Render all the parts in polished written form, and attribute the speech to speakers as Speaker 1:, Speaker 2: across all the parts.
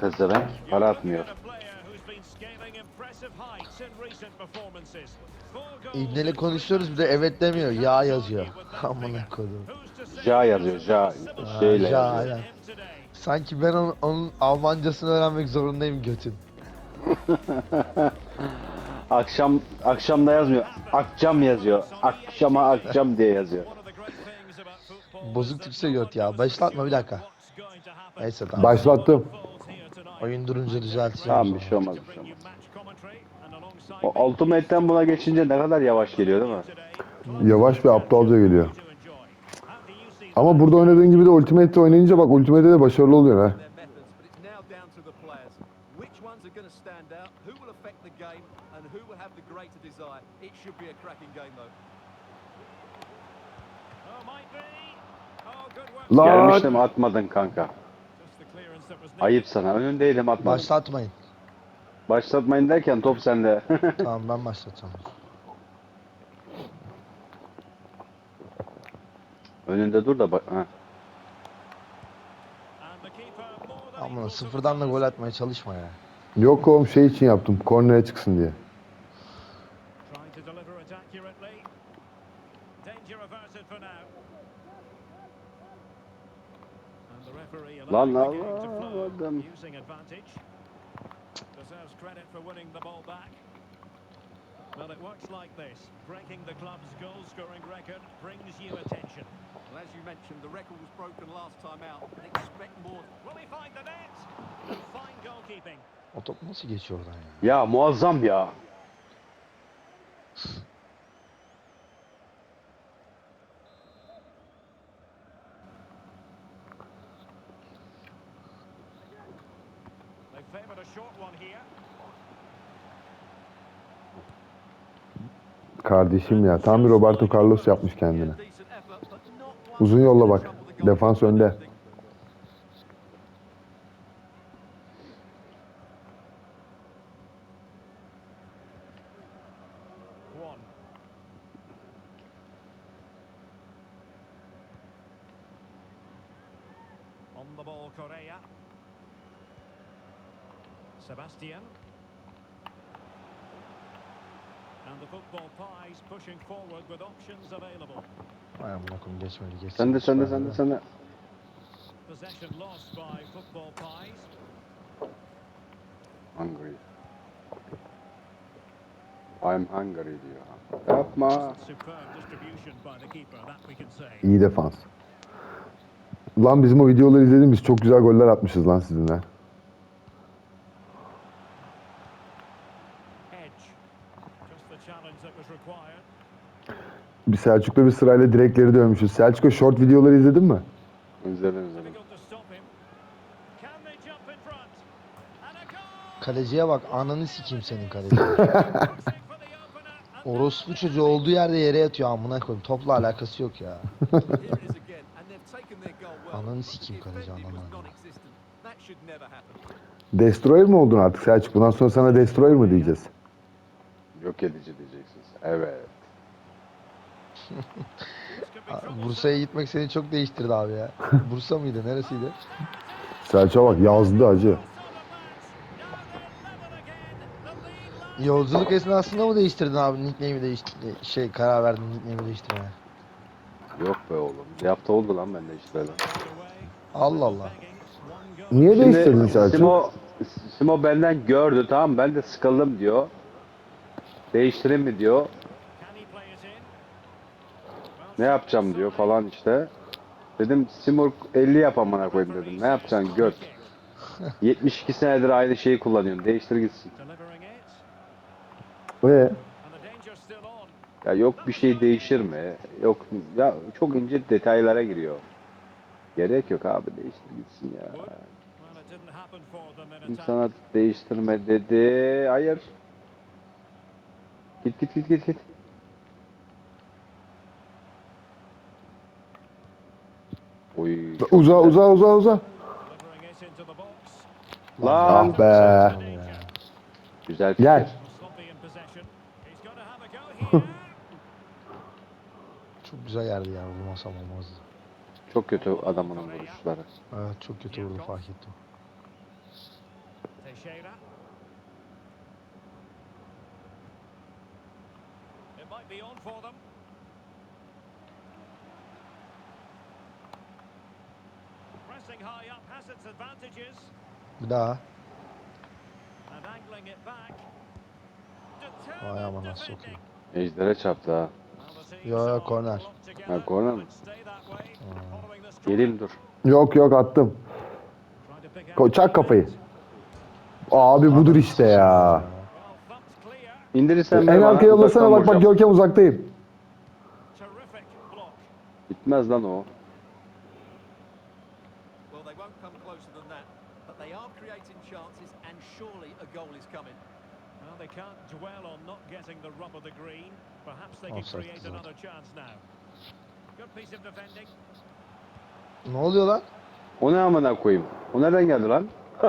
Speaker 1: pezevenk. Para atmıyor.
Speaker 2: İbne'yle konuşuyoruz bir de evet demiyor. Ya yazıyor. Amına kodum.
Speaker 1: Ja yazıyor. Ja.
Speaker 2: Aa,
Speaker 1: Şeyle
Speaker 2: ja
Speaker 1: yazıyor.
Speaker 2: aynen. Sanki ben onun Almancasını öğrenmek zorundayım götüm.
Speaker 1: Akşam da yazmıyor. Akşam yazıyor. Akşama akşam diye yazıyor.
Speaker 2: Bozuk Türkçe göt ya. Başlatma bir dakika. Neyse tamam.
Speaker 3: Başlattım.
Speaker 2: Oyun durunca düzelteceğim o
Speaker 1: Tamam bir
Speaker 2: zaman.
Speaker 1: şey olmaz bir şey olmaz. O Ultimate'ten buna geçince ne kadar yavaş geliyor değil mi?
Speaker 3: Yavaş ve aptalca geliyor. Ama burada oynadığın gibi de Ultimate'de oynayınca bak Ultimate'de de başarılı oluyor ha.
Speaker 1: Gelmiştim
Speaker 3: Lan!
Speaker 1: atmadın kanka. Ayıp sana. Önündeydim atmadın.
Speaker 2: Başlatmayın.
Speaker 1: Başlatmayın derken top sende.
Speaker 2: Tamam ben başlatacağım.
Speaker 1: Önünde dur da bak. Ha.
Speaker 2: Amına sıfırdan da gol atmaya çalışma ya.
Speaker 3: Yok oğlum şey için yaptım. Kornere çıksın diye.
Speaker 1: Lan alamadım.
Speaker 4: Well, it works like this. Breaking the club's goal-scoring record brings you attention.
Speaker 5: Well, as you mentioned, the record was broken last time out, but expect more.
Speaker 4: Will he find the net? Fine goalkeeping.
Speaker 2: O top nasıl geçiyor oradan ya?
Speaker 1: Ya muazzam ya.
Speaker 4: They favoured a short one here.
Speaker 3: Kardeşim ya. Tam bir Roberto Carlos yapmış kendine.
Speaker 5: Decent effort, but not one
Speaker 3: Uzun yolla bak.
Speaker 5: trouble the goal.
Speaker 3: Defans önde.
Speaker 4: One. On the ball, Correa. Sebastian. And the football pies pushing forward with options available.
Speaker 2: Ay amına koyayım geçmedi geçsin.
Speaker 1: Sende.
Speaker 4: Possession lost by football pies.
Speaker 1: Hungry. I'm hungry diyor. Yapma.
Speaker 4: Superb distribution by the keeper, that we can say.
Speaker 3: İyi defans. Lan bizim o videoları izledim. Biz çok güzel goller atmışız lan sizinle.
Speaker 4: Edge. Just the challenge that was required.
Speaker 3: Bir Selçuk'la bir sırayla direkleri dövmüşüz. Selçuk'a short videoları izledin mi?
Speaker 1: İzledim.
Speaker 4: Difficult to stop him. Can they jump in front? And a goal!
Speaker 2: Kaleciye bak ananı sikeyim senin kaleci.
Speaker 4: For the opener. And
Speaker 2: Orospu çocuğu olduğu yerde yere yatıyor amına koyayım. Topla alakası yok ya.
Speaker 5: Here it is again, and they've taken their goal well.
Speaker 2: Ananı
Speaker 5: but
Speaker 2: sikeyim
Speaker 5: the
Speaker 2: kaleci,
Speaker 5: defending was
Speaker 2: ananı.
Speaker 5: non-existent. That should never happen.
Speaker 3: Destroyer mi oldun artık Selçuk? Bundan sonra sana Destroyer mı diyeceğiz?
Speaker 1: Yok edici diyeceksiniz. Evet.
Speaker 2: Bursa'ya gitmek seni çok değiştirdi abi ya. Bursa mıydı? Neresiydi?
Speaker 3: Selçuk'a bak yazdı acı.
Speaker 2: Yolculuk esnasında mı değiştirdin abi nickname'i karar verdin nickname'i değiştirmeye?
Speaker 1: Yok be oğlum. Bir hafta oldu lan bende işte lan.
Speaker 2: Allah Allah.
Speaker 3: Niye değiştirdin
Speaker 1: Şimdi
Speaker 3: Selçuk?
Speaker 1: Simo benden gördü tamam ben de sıkıldım diyor. Değiştireyim mi diyor.
Speaker 4: can he play it in?
Speaker 1: Ne yapacağım diyor falan işte. Dedim Simo 50 yap amına koyayım dedim. Ne yapacaksın göt. 72 senedir aynı şeyi kullanıyorsun. Değiştir gitsin.
Speaker 4: Delivering it.
Speaker 3: Ve
Speaker 4: And the danger still on.
Speaker 1: Ya yok bir şey değişir mi? Yok ya çok ince detaylara giriyor. Gerek yok abi değiştir gitsin ya.
Speaker 4: Well, it didn't happen for them in
Speaker 1: Kim
Speaker 4: attack.
Speaker 1: sana değiştirme dedi. Hayır. Git. Oy. çok
Speaker 3: uza.
Speaker 4: Delivering it into the box.
Speaker 1: Lan.
Speaker 3: Ah be.
Speaker 1: Güzel fikir.
Speaker 3: Gel.
Speaker 4: Sloppy in possession. He's got to have a go here.
Speaker 2: Çok güzel yerdi ya vurmasam olmazdı.
Speaker 1: Çok kötü adamın vuruşları.
Speaker 2: Evet çok kötü vurdu fark ettim.
Speaker 4: Teixeira. It might be on for them. Pressing high up has its advantages.
Speaker 2: Bir daha.
Speaker 4: And angling it back.
Speaker 2: Vay
Speaker 4: Determined
Speaker 2: amına
Speaker 4: defending.
Speaker 2: sokayım.
Speaker 1: Ejder'e çarptı ha.
Speaker 4: Well, the teams
Speaker 2: Yo, yo,
Speaker 4: are
Speaker 2: corner.
Speaker 4: locked together.
Speaker 1: Ha, corner mi?
Speaker 4: Might stay that way, following the strike.
Speaker 1: Geleyim dur.
Speaker 3: Yok yok attım.
Speaker 4: Trying to pick out
Speaker 3: Çak
Speaker 4: the
Speaker 3: kafayı.
Speaker 4: moment.
Speaker 3: Abi budur işte ya.
Speaker 4: Well, thumped clear.
Speaker 1: İndirirsen
Speaker 3: En
Speaker 1: ver bana,
Speaker 3: arkaya yollasana,
Speaker 1: uzaktan
Speaker 3: bak bak
Speaker 1: vuracağım.
Speaker 3: Görkem uzaktayım.
Speaker 4: Terrific block.
Speaker 1: Gitmez lan o.
Speaker 5: Well, they won't come closer than that, but they are creating chances, and surely a goal is coming.
Speaker 4: Well, they can't dwell on not getting the rub of the green. Perhaps they can
Speaker 2: Offside
Speaker 4: create
Speaker 2: zaten.
Speaker 4: another chance now. Good piece of defending.
Speaker 2: Ne oluyor lan?
Speaker 1: O ne amına koyayım? O nereden geldi lan?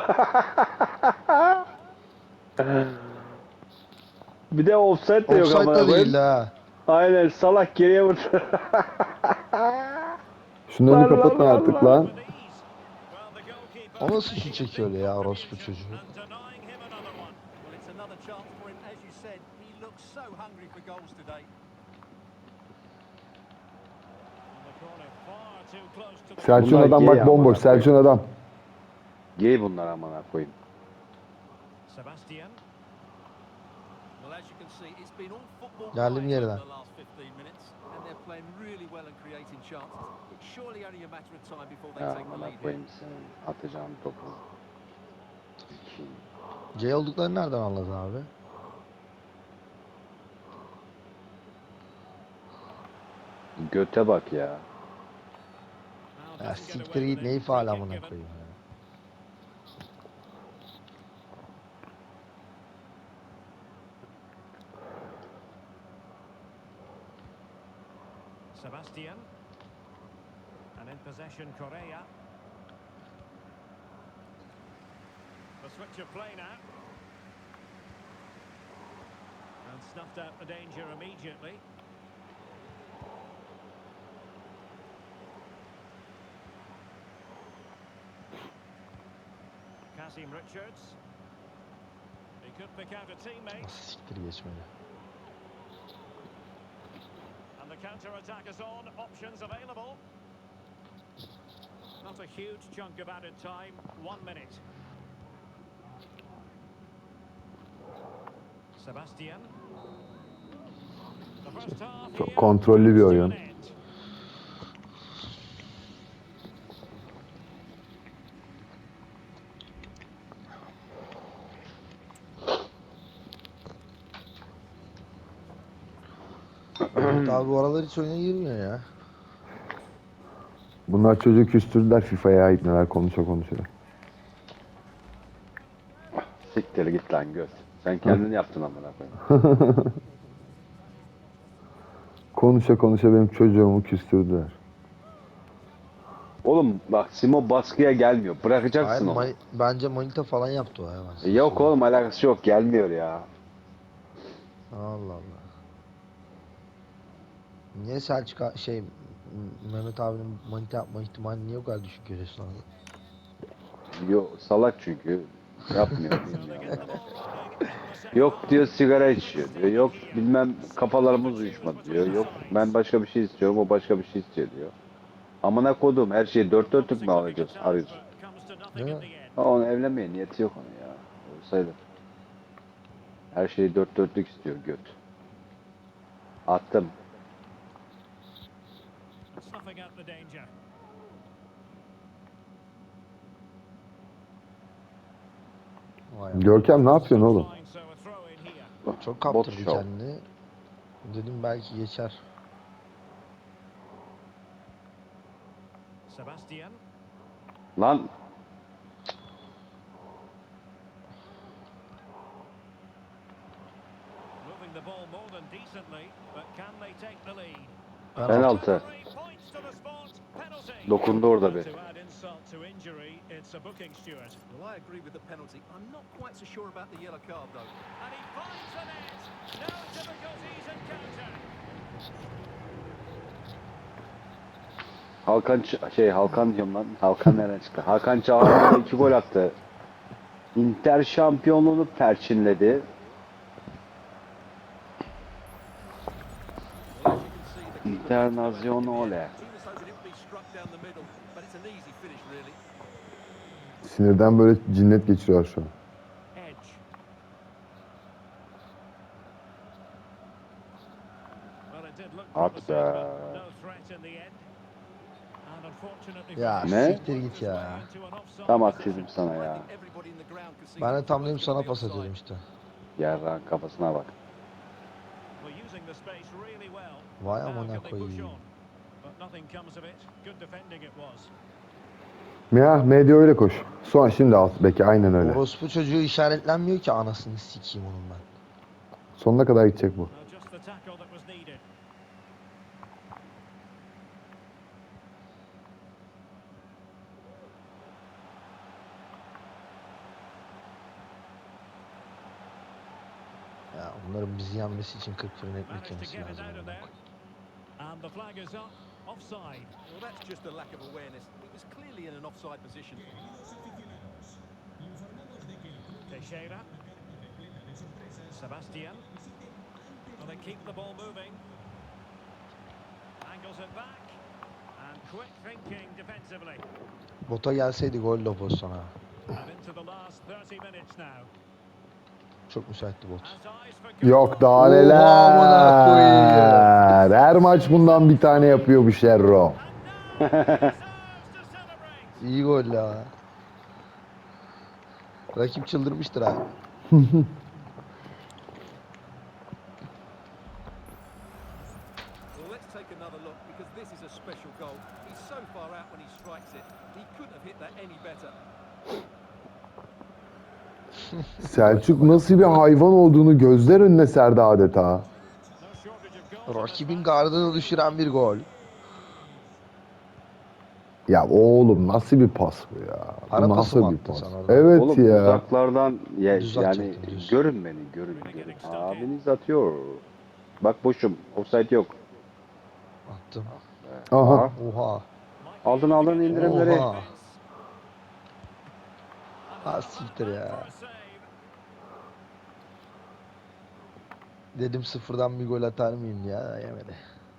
Speaker 1: Bir de offside de yok
Speaker 2: Offside
Speaker 1: amına
Speaker 2: da
Speaker 1: koyayım.
Speaker 2: değil ha.
Speaker 1: Aynen, salak geriye vurdu.
Speaker 3: Şunları
Speaker 1: Lan,
Speaker 3: bir kapatın
Speaker 1: lan,
Speaker 3: artık
Speaker 1: lan.
Speaker 3: lan.
Speaker 4: With ease. Well, the goalkeeper
Speaker 2: O nasıl şut
Speaker 4: making a
Speaker 2: çekiyor
Speaker 4: big
Speaker 2: öyle ya, orospu
Speaker 4: contribution
Speaker 2: çocuğu?
Speaker 4: and denying him another one.
Speaker 5: Well, it's another chance for him. As you said, he looks so hungry for goals today.
Speaker 4: And the corner far too close to the
Speaker 3: Selçuk'un
Speaker 1: Bunlar
Speaker 3: adam
Speaker 1: gay
Speaker 3: bak
Speaker 1: ama
Speaker 3: bomboş.
Speaker 1: bak,
Speaker 3: Selçuk'un adam.
Speaker 1: Gey bunlar amına koyayım.
Speaker 4: Sebastian.
Speaker 5: Well, as you can see, it's been all football
Speaker 2: Geldim
Speaker 5: quiet
Speaker 2: yerine.
Speaker 5: over the last 15 minutes, and they're playing really well and creating chances. It's surely only a matter of time before they
Speaker 1: Ya
Speaker 5: take the
Speaker 1: amına
Speaker 5: lead here.
Speaker 1: koyayım senin atacağım topu.
Speaker 2: C olduklarını nereden anladın abi?
Speaker 1: Göte bak ya.
Speaker 4: Now
Speaker 2: Ya
Speaker 4: doesn't get
Speaker 2: siktir
Speaker 4: away
Speaker 2: git,
Speaker 4: with
Speaker 2: neyi
Speaker 4: it.
Speaker 2: faal
Speaker 4: Free kick
Speaker 2: amına
Speaker 4: given.
Speaker 2: koyayım ya.
Speaker 4: Sebastian. And in possession, Correa. The switch of play now. And snuffed out the danger immediately. Kasim Richards. He could pick out a teammate.
Speaker 2: Nasıl siktir geçmedi.
Speaker 4: And the counter-attack is on. Options available. Not a huge chunk of added time. 1 minute. Sebastian. The first half
Speaker 3: Çok
Speaker 4: here
Speaker 3: kontrollü bir
Speaker 4: comes to
Speaker 3: oyun.
Speaker 4: an end.
Speaker 2: Ahmet abi bu aralar hiç oyuna girmiyor ya.
Speaker 3: Bunlar çocuğu küstürdüler FIFA'ya ait neler konuşa konuşa.
Speaker 1: Siktir git lan göt. Sen kendin yaptın amına koyayım.
Speaker 3: Konuşa konuşa benim çocuğumu küstürdüler.
Speaker 1: Oğlum bak, Simo baskıya gelmiyor.
Speaker 2: Hayır,
Speaker 1: Bırakacaksın onu.
Speaker 2: bence manita falan yaptı o hemen.
Speaker 1: Yok oğlum, alakası yok. Gelmiyor ya.
Speaker 2: Allah Allah. Niye Selçuk Mehmet abinin manita yapma ihtimali niye o kadar düşük görüyorsun abi?
Speaker 1: Yok, salak çünkü. Yapmıyor.
Speaker 4: So they
Speaker 1: bilmiyor.
Speaker 4: get the ball rolling in the second
Speaker 1: Yok diyor, sigara içiyor diyor. Yok bilmem kafalarımız uyuşmadı diyor. Yok ben başka bir şey istiyorum, o başka bir şey istiyor diyor. Amına kodum, her şeyi dört dörtlük mü alacağız, arıyoruz?
Speaker 4: comes to nothing in the end.
Speaker 1: Ha, onu evlenmeye niyeti yok onun ya. Olsaydı. Her şeyi dört dörtlük istiyor göt. Attım.
Speaker 4: Snuffing out the danger.
Speaker 2: Vay
Speaker 3: Görkem ne yapıyorsun oğlum?
Speaker 4: Line, so a throw in here.
Speaker 2: Çok
Speaker 1: Bot
Speaker 2: kaptırdı
Speaker 1: show.
Speaker 2: kendini. Dedim belki geçer.
Speaker 4: Sebastian.
Speaker 1: Lan
Speaker 4: Moving the ball more than decently, but can they take the lead?
Speaker 1: penaltı.
Speaker 4: Points to the spot. Penalty.
Speaker 1: Dokundu orada bir.
Speaker 4: To add insult to injury, it's a booking, Stuart.
Speaker 5: Well, I agree with the penalty. I'm not quite so sure about the yellow card, though.
Speaker 4: And he finds the net. No difficulties in counter.
Speaker 1: Hakan diyorum lan. Hakan nereden çıktı? Hakan Çağlar 2 gol attı. Inter şampiyonluğunu perçinledi.
Speaker 5: Well, as you can see, the keeper
Speaker 1: Internazionale.
Speaker 5: he was hoping it would be struck down the middle, but it's an easy finish really.
Speaker 3: Sinirden böyle cinnet geçiriyor şu an.
Speaker 4: Edge. Well, it did look
Speaker 1: At
Speaker 4: promising,
Speaker 1: be.
Speaker 4: but no threat in the end. And unfortunately
Speaker 2: Ya
Speaker 4: for
Speaker 1: Ne?
Speaker 2: siktir git ya.
Speaker 4: into an offside
Speaker 1: Tam
Speaker 4: position.
Speaker 1: haksızım sana
Speaker 5: I
Speaker 1: ya.
Speaker 5: think everybody in the ground could see
Speaker 2: Ben de
Speaker 5: that
Speaker 2: tam
Speaker 5: was
Speaker 2: dedim
Speaker 5: gonna
Speaker 2: sana
Speaker 5: be
Speaker 2: pas
Speaker 5: offside.
Speaker 2: atıyorum işte.
Speaker 1: Yarrağın kafasına bak.
Speaker 4: We're using the space really well.
Speaker 2: Vay
Speaker 4: Now
Speaker 2: amına
Speaker 4: can they push
Speaker 2: koyayım.
Speaker 4: on? But nothing comes of it. Good defending it was.
Speaker 3: Ya medya öyle koş. Son şimdi al beki aynen öyle.
Speaker 2: Orospu çocuğu işaretlenmiyor ki anasını sikeyim onun ben.
Speaker 3: Sonuna kadar gidecek bu.
Speaker 4: Well, just the tackle that was needed.
Speaker 2: Ya onların bizi yenmesi için 40 fırın ekmek
Speaker 4: Managed to
Speaker 2: yemesi
Speaker 4: get it
Speaker 2: lazım.
Speaker 4: out of
Speaker 2: amına
Speaker 4: there.
Speaker 2: koyayım.
Speaker 4: And the flag is up. Offside.
Speaker 5: Well, that's just a lack of awareness. It was clearly in an offside position.
Speaker 4: Teixeira. Sebastian. Well, they keep the ball moving. Angles it back. And quick thinking defensively.
Speaker 2: Bota gelseydi gol de o pozisyona.
Speaker 4: And into the last 30 minutes now.
Speaker 2: Çok müsaitti bot.
Speaker 4: As eyes for goal.
Speaker 3: Yok daha
Speaker 2: Oha,
Speaker 3: neler.
Speaker 2: amına koyayım.
Speaker 3: Her maç bundan bir tane yapıyor bu Şerro.
Speaker 4: And now he deserves to celebrate.
Speaker 2: İyi gol ya. Rakip çıldırmıştır ha.
Speaker 5: Well, let's take another look because this is a special goal. He's so far out when he strikes it. He couldn't have hit that any better.
Speaker 3: Selçuk nasıl bir hayvan olduğunu gözler önüne serdi adeta.
Speaker 4: No shortage of goals.
Speaker 2: Rakibin gardını düşüren bir gol.
Speaker 3: Ya oğlum nasıl bir pas bu ya? Bu
Speaker 2: Ara pası
Speaker 3: nasıl
Speaker 2: mı
Speaker 3: bir
Speaker 2: attın
Speaker 3: pas?
Speaker 2: sen orada?
Speaker 3: Evet
Speaker 1: Oğlum
Speaker 3: ya.
Speaker 1: uzaklardan
Speaker 2: Düz
Speaker 1: yani
Speaker 2: atacaktın, düz.
Speaker 1: görün beni görün. Abiniz atıyor. Bak boşum. Offside yok.
Speaker 2: Attım.
Speaker 3: Aha.
Speaker 2: Oha.
Speaker 1: Aldın aldın indirimleri.
Speaker 2: Oha. Ha siktir ya. Dedim sıfırdan bir gol atar mıyım ya, yemedi.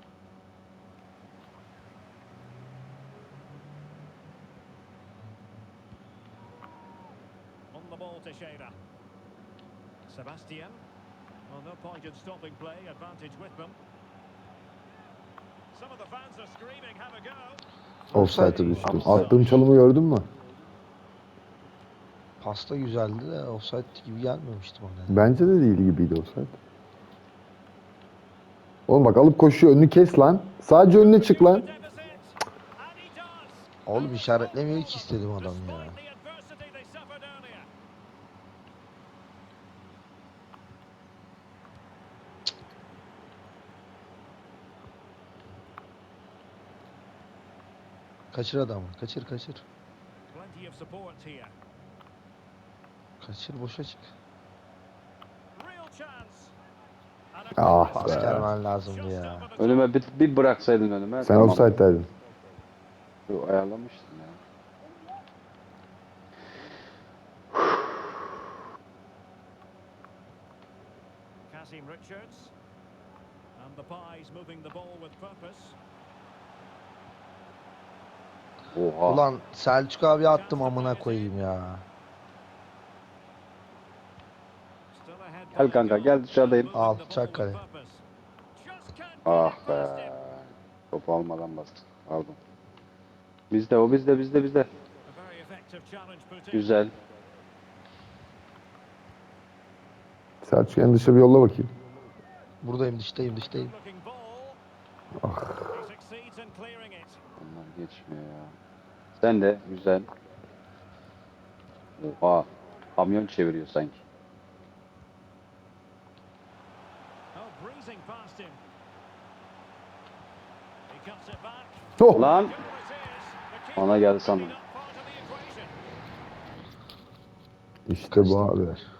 Speaker 4: On the ball, Teixeira. Sebastian. Well, no point in stopping play. Advantage with them. Some of the fans are screaming, have a go.
Speaker 3: Offside'a düştüm.
Speaker 1: Offside.
Speaker 3: Attığım çalımı gördün mü?
Speaker 2: Pasta güzeldi de offside gibi gelmemişti bana.
Speaker 3: Bence de değil gibiydi offside. Oğlum bak alıp koşuyor önünü kes lan. Sadece önüne çık lan.
Speaker 4: Deficit. And he does.
Speaker 2: Oğlum işaretlemiyor ki istedim adam ya.
Speaker 4: Despite the adversity they suffered earlier.
Speaker 2: Kaçır adamı. Kaçır kaçır.
Speaker 4: Plenty of support here.
Speaker 2: Kaçır boşa çık.
Speaker 4: Real chance. And
Speaker 3: Ah
Speaker 2: Pas
Speaker 3: be.
Speaker 2: gelmen lazımdı ya.
Speaker 1: Önüme bir bıraksaydın önüme.
Speaker 3: Sen
Speaker 1: tamam.
Speaker 3: offside'daydın.
Speaker 1: Yo, ayarlamıştım ya.
Speaker 4: Kasim Richards. And the Pies moving the ball with purpose.
Speaker 1: Oha.
Speaker 2: Ulan Selçuk abi attım amına koyayım ya.
Speaker 4: Still ahead
Speaker 1: Gel
Speaker 4: by
Speaker 1: kanka,
Speaker 4: a goal.
Speaker 1: gel dışarıdayım.
Speaker 4: Moving
Speaker 2: Al,
Speaker 4: the ball
Speaker 2: çak
Speaker 4: with
Speaker 2: kale.
Speaker 4: purpose. Just can't get
Speaker 1: Ah
Speaker 4: it
Speaker 1: be.
Speaker 4: past him.
Speaker 1: Topu almadan bastım. Pardon. Bizde o bizde.
Speaker 4: A very effective challenge put in.
Speaker 1: Güzel.
Speaker 3: Selçuk en dışa bir yolla bakayım.
Speaker 2: Buradayım, dıştayım.
Speaker 4: Looking ball. He succeeds in clearing it.
Speaker 1: Onlar geçmiyor ya. Sen de güzel. Oha. Kamyon çeviriyor sanki.
Speaker 4: Oh, breezing past him. He cuts it back.
Speaker 3: Oh.
Speaker 1: Lan.
Speaker 4: Goal it is. The
Speaker 1: Bana
Speaker 4: keeper
Speaker 1: geldi sandım.
Speaker 4: picking up part of the equation.
Speaker 3: İşte bu abi.